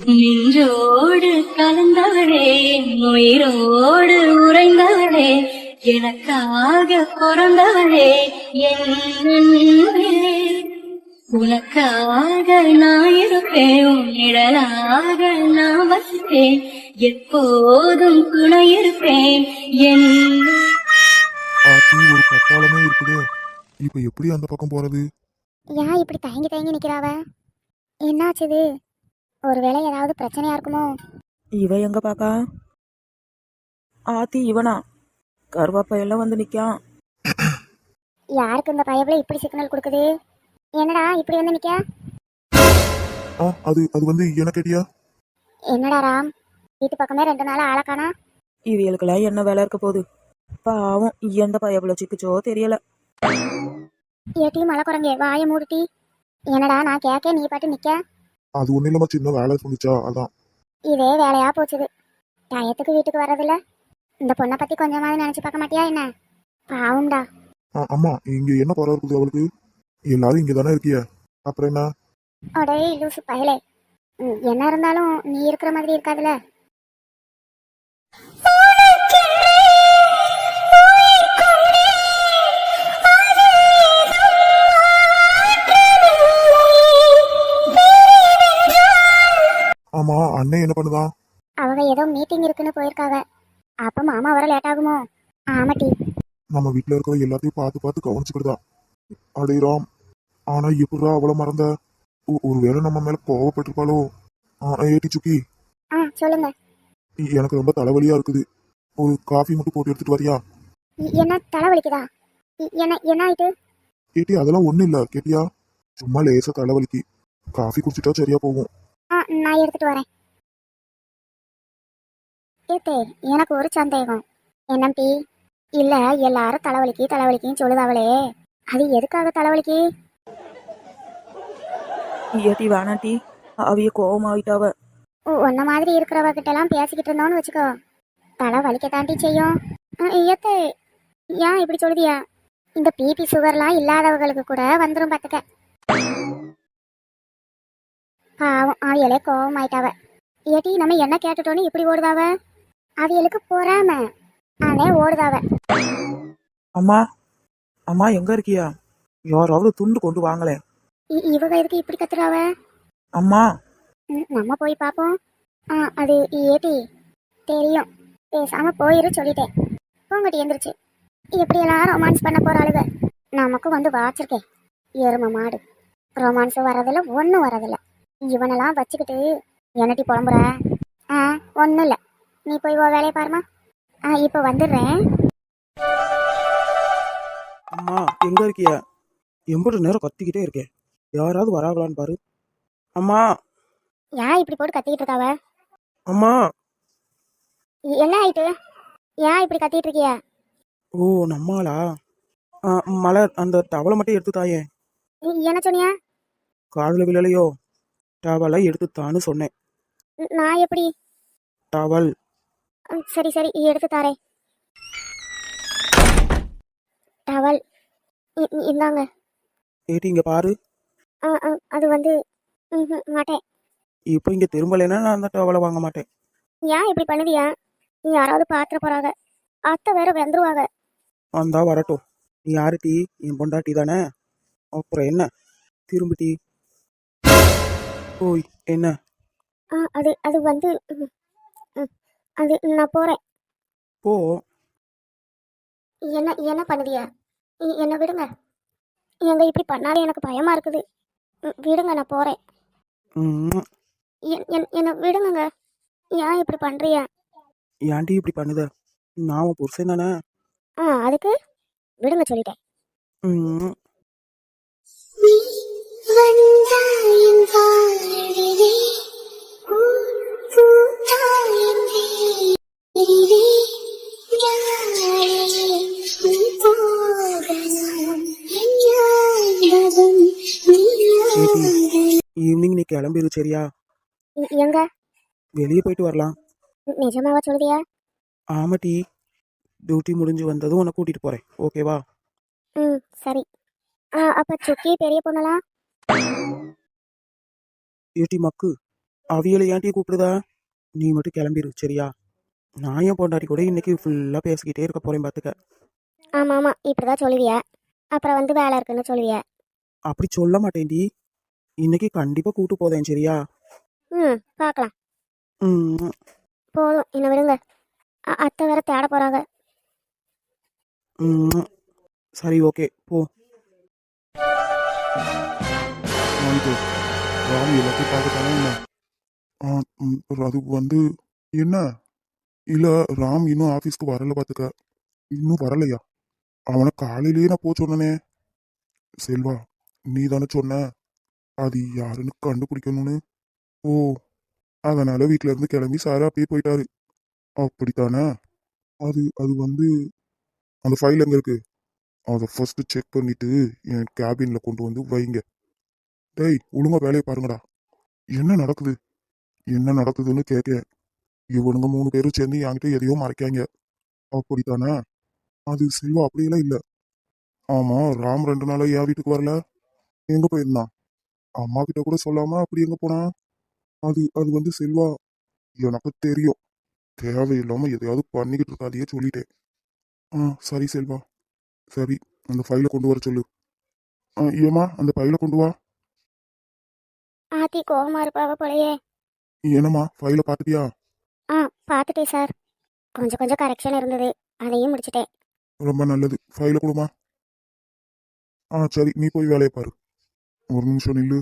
நின்றோடு கலந்தவளே, உயிரோடு உறைந்தவளே, எனக்காக பிறந்தவளே, என் அன்பே. உனக்காக நான் இருப்பேன், உன் நிழலாக நான் வசிப்பேன், எப்போதும் துணை இருப்பேன் என். ஆத்தி ஒரு கட்டாளமே இருக்குதே, இப்ப எப்படி அந்த பக்கம் போறது? ஏன் இப்படி தயங்கி தயங்கி நிக்கிறாவ? என்னாச்சுது? ஒருவேளை ஏதாவது பிரச்சனையா இருக்குமோ? இவ எங்க பாக்கா? ஆத்தி இவனா? கருவாப்பையெல்லாம் வந்து நிக்கான். யாருக்கு இந்த பயவுல இப்படி சிக்னல் கொடுக்குது? என்னடா இப்படி வந்து நிக்க? அது அது வந்து என்ன கேட்டியா? என்னடா ராம், வீட்டு பக்கமே 2 நாள் ஆளக்கானா? இவளுக்கெல்லாம் என்ன வேலை இருக்க போகுது? பாவம் எந்த பயப்புல சிக்குச்சோ தெரியல. ஏட்டி மலை குரங்கே வாயை மூடுட்டி. என்னடா நான் கேட்க நீ பாட்டு நிக்க? அது ஒன்றும் இல்லாம சின்ன வேலை சொல்லிச்சா, அதான். இதே வேலையா போச்சுது. டயத்துக்கு வீட்டுக்கு வர்றதில்ல. இந்த பொண்ணை பத்தி கொஞ்சமாவது நினைச்சு பார்க்க மாட்டியா என்ன? பாவம்டா. அம்மா இங்க என்ன குறை இருக்குது அவளுக்கு? எல்லாரும் இங்க தானே இருக்கிய, அப்புறம் என்ன? அடே லூசு பயலே, என்ன இருந்தாலும் நீ இருக்கிற மாதிரி இருக்காதுல. ஆமா, அண்ணன் என்ன பண்ணுதான்? அவங்க ஏதோ மீட்டிங் இருக்குன்னு போயிருக்காவ. அப்ப மாமா வர லேட் ஆகுமோ? ஆமாட்டி. நம்ம வீட்டுல இருக்கிற எல்லாத்தையும் பார்த்து பார்த்து கவனிச்சுக்கிட்டுதான். அடே ராம், ஆனா எப்படா அவளை மறந்த? ஒருவேளை நம்ம மேல கோவப்பட்டிருப்பாளோ? ஏட்டி சுக்கி, சொல்லுங்க. எனக்கு ரொம்ப தலைவலியா இருக்குது, ஒரு காஃபி மட்டும் போட்டு எடுத்துட்டு வரியா? என்ன தலைவலிக்குதா? என்ன ஆயிட்டு? ஏட்டி அதெல்லாம் ஒண்ணும் இல்ல, கேட்டியா? சும்மா லேசா தலைவலிக்கு, காஃபி குடிச்சிட்டா சரியா போகும். நான் எடுத்துட்டு வரேன். ஏத்தே எனக்கு ஒரு சந்தேகம். என்னம்பி? இல்ல எல்லாரும் தலைவலிக்குன்னு சொல்லுதாவளே, அது எதுக்காக தலைவலிக்கு? ஏட்டி வேணாட்டி, அவிய கோவமாயிட்டாவ. உன்ன மாதிரி இருக்கிறவ கிட்ட எல்லாம் பேசிக்கிட்டு இருந்தோன்னு வச்சுக்கோ, தலை வலிக்க தாண்டி செய்யும். ஏத்தே ஏன் இப்படி சொல்லுதியா? இந்த பிபி சுகர்லாம் இல்லாதவங்களுக்கு கூட வந்துடும் பார்த்துக்க. பாவம் அவியலே கோவம் ஆயிட்டாவ. ஏட்டி நம்ம என்ன கேட்டுட்டோன்னு இப்படி ஓடுதாவ? அவியலுக்கு பொறாம அதே ஓடுதாவ. அம்மா அம்மா எங்க இருக்கியா? யாராவது துண்டு கொண்டு வாங்களேன். இவங்க எதுக்கு இப்படி கத்துறாவ? அம்மா நம்ம போய் பார்ப்போம். அது ஏட்டி தெரியும், பேசாம போயிரு சொல்லிட்டேன். போங்கட்டி எந்திரிச்சு. எப்படியெல்லாம் ரொமான்ஸ் பண்ண போறாளுக, நமக்கும் வந்து வாச்சிருக்கேன். எரும மாடு, ரொமான்ஸ் வரதில்ல ஒன்றும் வரதில்ல. இவனெல்லாம் வச்சுக்கிட்டு என்னட்டி புலம்புற? ஒன்றும் இல்லை, நீ போய் ஓ வேலையை பாருமா. இப்போ வந்துடுறேன். அம்மா எங்க இருக்கியா? எம்பது நேரம் கத்திக்கிட்டே இருக்கேன், யாராவது வராங்களான்னு பாரு. அம்மா ஏன் இப்படி போட்டு கத்திக்கிட்டு இருக்காவ? அம்மா என்ன ஆயிட்டு? ஏன் இப்படி கத்திட்டு இருக்கிய? ஓ நம்மளா? மலர் அந்த டவலை மட்டும் எடுத்து தாயே. என்ன சொன்னியா? காதுல விழலையோ? டவலை எடுத்துத்தான்னு சொன்னேன். நான் எப்படி? டவல். சரி சரி எடுத்து தாரேன். டவல் இந்தாங்க. ஏட்டி இங்க பாரு. அது வந்து மாட்டேன். இப்போ இங்க திரும்பலைன்னா நான் அந்த டவலை வாங்க மாட்டேன். ஏன் இப்படி பண்ணுதியா? யாராவது பாத்திர போறாங்க, அத்தை வேற வந்துருவாங்க. வந்தா வரட்டும், நீ யாரு டீ? என் பொண்டாட்டி தானே, அப்புறம் என்ன? திரும்பி டீ. ஓய் என்ன? அது அது வந்து அது நான் போறேன். போ. என்ன பண்ணுதியா? என்ன விடுங்க. எங்க இப்படி பண்ணாலே எனக்கு பயமா இருக்குது. விடுங்க, நான் போறேன். என்ன விடுங்க. ஏன் இப்படி பண்றியா? ஏன்டி இப்படி பண்ணுத? நான் உன் புருஷன் தானே. அதுக்கு விடுங்க சொல்லிட்டேன். ஈவினிங் நீ கிளம்பிடு சரியா? எங்க? வெளியே போயிட்டு வரலாம். நிஜமாவா சொல்லுதியா? ஆமா டீ, டியூட்டி முடிஞ்சு வந்ததும் உன்னை கூட்டிட்டு போறேன், ஓகேவா? சரி. அப்ப சுக்கி பெரிய பொண்ணலாம்? ஏட்டி மக்கு, அவியலை ஏன்ட்டி கூப்பிடுதா? நீ மட்டும் கிளம்பிரு சரியா? நான் என் பொண்டாட்டி கூட இன்னைக்கு ஃபுல்லாக பேசிக்கிட்டே இருக்க போறேன் பார்த்துக்க. ஆமாம் ஆமாம் இப்படிதான் சொல்லுவிய. அப்புறம் வந்து வேலை இருக்குன்னு சொல்லுவிய. அப்படி சொல்ல மாட்டேன்டி. இன்னைக்கு கண்டிப்பாக கூட்டு போதேன் சரியா? ம் பார்க்கலாம். ம். போதும் என்ன விடுங்க. அத்தை வேற தேட போகிறாங்க. ம். சரி ஓகே போ. வாங்கிட்டு ராம் எல்லாத்தையும் பார்த்துட்டானே என்ன? அது வந்து என்ன இல்ல, ராம் இன்னும் ஆபீஸ்க்கு வரல பாத்துக்க. இன்னும் வரலையா? அவனை காலையிலேயே நான் சொன்னனே. செல்வா, நீ தானே சொன்ன அது யாருன்னு கண்டுபிடிக்கணும்னு. ஓ, அதனால வீட்ல இருந்து கிளம்பி சாரா அப்படியே போயிட்டாரு. அப்படித்தானே? அது அது வந்து அந்த ஃபைல் எங்க இருக்கு? அதை ஃபர்ஸ்ட் செக் பண்ணிட்டு என் கேபின்ல கொண்டு வந்து வைங்க. டேய், ஒழுங்கா வேலையை பாருங்கடா. என்ன நடக்குது? என்ன நடக்குதுன்னு கேட்க இவனுங்க 3 பேரும் சேர்ந்து என்கிட்ட எதையோ மறைக்காங்க. அப்படித்தானே? அது செல்வா அப்படியெல்லாம் இல்ல. ஆமா, ராம் 2 நாளா என் வீட்டுக்கு வரல. எங்க போயிருந்தான்? அம்மா கிட்ட கூட சொல்லாம அப்படி எங்க போனா? அது அது வந்து செல்வா, எனக்கு தெரியும். தேவையில்லாம எதையாவது பண்ணிக்கிட்டு இருக்காதையே சொல்லிட்டேன். சரி செல்வா, சரி, அந்த ஃபைலை கொண்டு வர சொல்லு. ஏமா, அந்த ஃபைலை கொண்டு வா. ஆத்தி கோவமா இருப்பாவ போலயே. என்னம்மா, ஃபைலை பார்த்துட்டியா? பார்த்துட்டேன் சார். கொஞ்சம் கொஞ்சம் கரெக்ஷன் இருந்தது, அதையும் முடிச்சிட்டேன். ரொம்ப நல்லது. ஃபைலை கொடுமா. சரி, நீ போய் வேலையை பாரு. ஒரு நிமிஷம் நில்லு.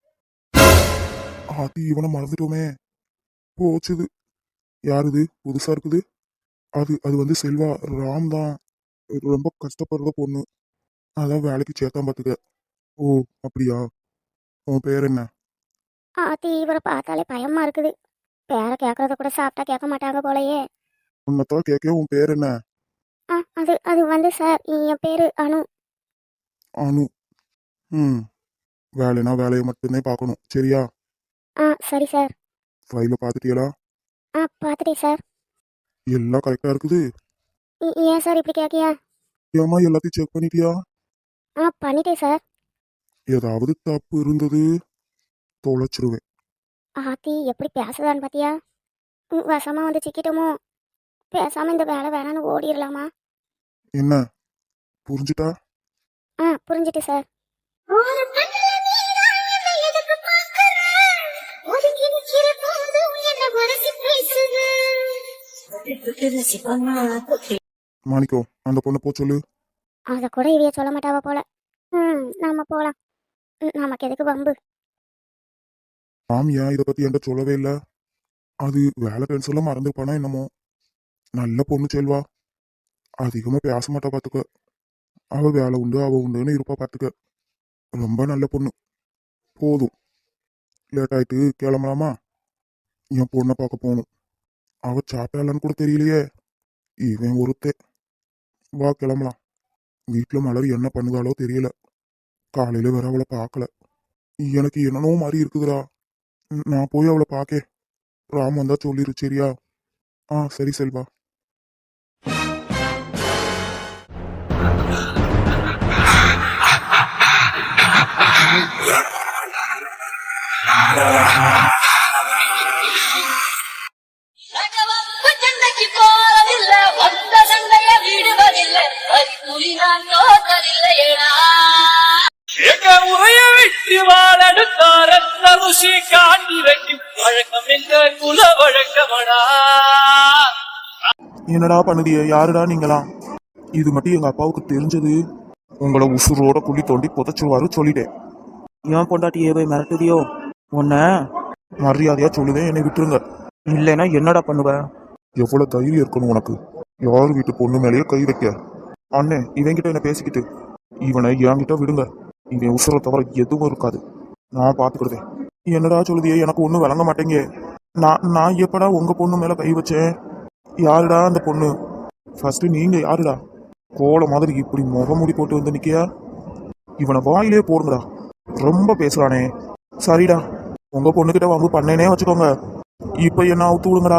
ஆத்தி, இவனை மறந்துட்டோமே. போச்சுது. யாருது புதுசா இருக்குது? அது அது வந்து செல்வா, ராம் தான். ரொம்ப கஷ்டப்படுற பொண்ணு. அதான் வேலைக்கு சேர்த்தான் பாத்துக்க. ஓ, அப்படியா? உன் பேர் என்ன? ஆத்தி இவரை பார்த்தாலே பயமா இருக்குது. பேரை கேட்கறத கூட சாப்பிட்டா கேட்க மாட்டாங்க போலயே. உன்னத்தான் கேட்க. உன் பேர் என்ன? அது அது வந்து சார், என் பேரு அனு. அனு. ம். வேலைனா வேலையை மட்டும்தான் பார்க்கணும், சரியா? சரி சார். ஃபைலை பார்த்துட்டியலா? பார்த்துட்டேன் சார். எல்லாம் கரெக்டா இருக்குது? ஏன் சார் இப்படி கேட்கியா? ஏமா, எல்லாத்தையும் செக் பண்ணிட்டியா? பண்ணிட்டேன் சார். ஏதாவது தப்பு இருந்தது தொலைச்சிருவேன். ஆத்தி எப்படி பேசுதான்னு பாத்தியா? வசமா வந்து சிக்கிட்டோமோ. பேசாம இந்த வேலை வேணான்னு ஓடிடலாமா? என்ன புரிஞ்சுட்டா? புரிஞ்சுட்டு சார். மாணிக்கம், அந்த பொண்ணை சொல்லு. அத கூட இவைய சொல்ல மாட்டாவ போல. நாம போலாம். நமக்கு எதுக்கு வம்பு? ராம் ஏன் இதை பத்தி என்கிட்ட சொல்லவே இல்லை? அது வேலை டென்ஷன்ல மறந்துருப்பானா என்னமோ. நல்ல பொண்ணு செல்வா, அதிகமா பேச மாட்டா பாத்துக்க. அவ வேலை உண்டு அவ உண்டுன்னு இருப்பா பாத்துக்க. ரொம்ப நல்ல பொண்ணு. போதும், லேட் ஆயிட்டு கிளம்பலாமா? என் பொண்ணை பார்க்க போகணும். அவ சாப்பிட்டாளான்னு கூட தெரியலையே. இவன் ஒருத்தே. வா கிளம்பலாம். வீட்டுல மலர் என்ன பண்ணுதாலோ தெரியல. காலையில வேற அவளை பார்க்கல. எனக்கு என்னனோ மாதிரி இருக்குதுடா. நான் போய் அவளை பார்க்க. ராம் வந்தா சொல்லிரு, சரியா? சரி செல்வா. சண்டைக்கு போறதில்லை, வந்த சண்டைய விடுவதில்லை, புலி நான் தோற்றதில்லையேடா. எங்க உரைய விட்டு வாழடுத்தார ருஷி காட்டி வைக்கும் வழக்கம் எங்க குல வழக்கமடா. என்னடா பண்ணுதிய? யாருடா நீங்களாம்? இது மட்டும் எங்க அப்பாவுக்கு தெரிஞ்சது உங்களை உசுரோட குழி தோண்டி புதைச்சிருவாரு சொல்லிட்டேன். ஏன் பொண்டாட்டியே போய் மிரட்டுதியோ? உன்ன மரியாதையா சொல்லுதேன், என்னை விட்டுருங்க. இல்லைன்னா என்னடா பண்ணுவ? எவ்வளவு தைரியம் இருக்கணும் உனக்கு? யார் வீட்டு பொண்ணு மேலேயே கை வைக்க? அண்ணே, இவன்கிட்ட என்ன பேசிக்கிட்டு? இவனை என்கிட்ட விடுங்க. இவன் உசுரை தவிர எதுவும் இருக்காது. நான் பாத்துக்கிடுதேன். என்னடா சொல்லுதியே? எனக்கு ஒன்றும் விளங்க மாட்டேங்க. நான் எப்படா உங்க பொண்ணு மேல கை வச்சேன்? யாருடா அந்த பொண்ணு? ஃபர்ஸ்ட் நீங்க யாருடா? கோல மாதிரி இப்படி முகமூடி போட்டு வந்து நிக்கியா? இவனை வாயிலே போடுங்கடா. ரொம்ப பேசுறானே. சரிடா, உங்க பொண்ணுகிட்ட வம்பு பண்ணேனே வச்சுக்கோங்க. இப்ப என்ன அவுத்து விடுங்கடா.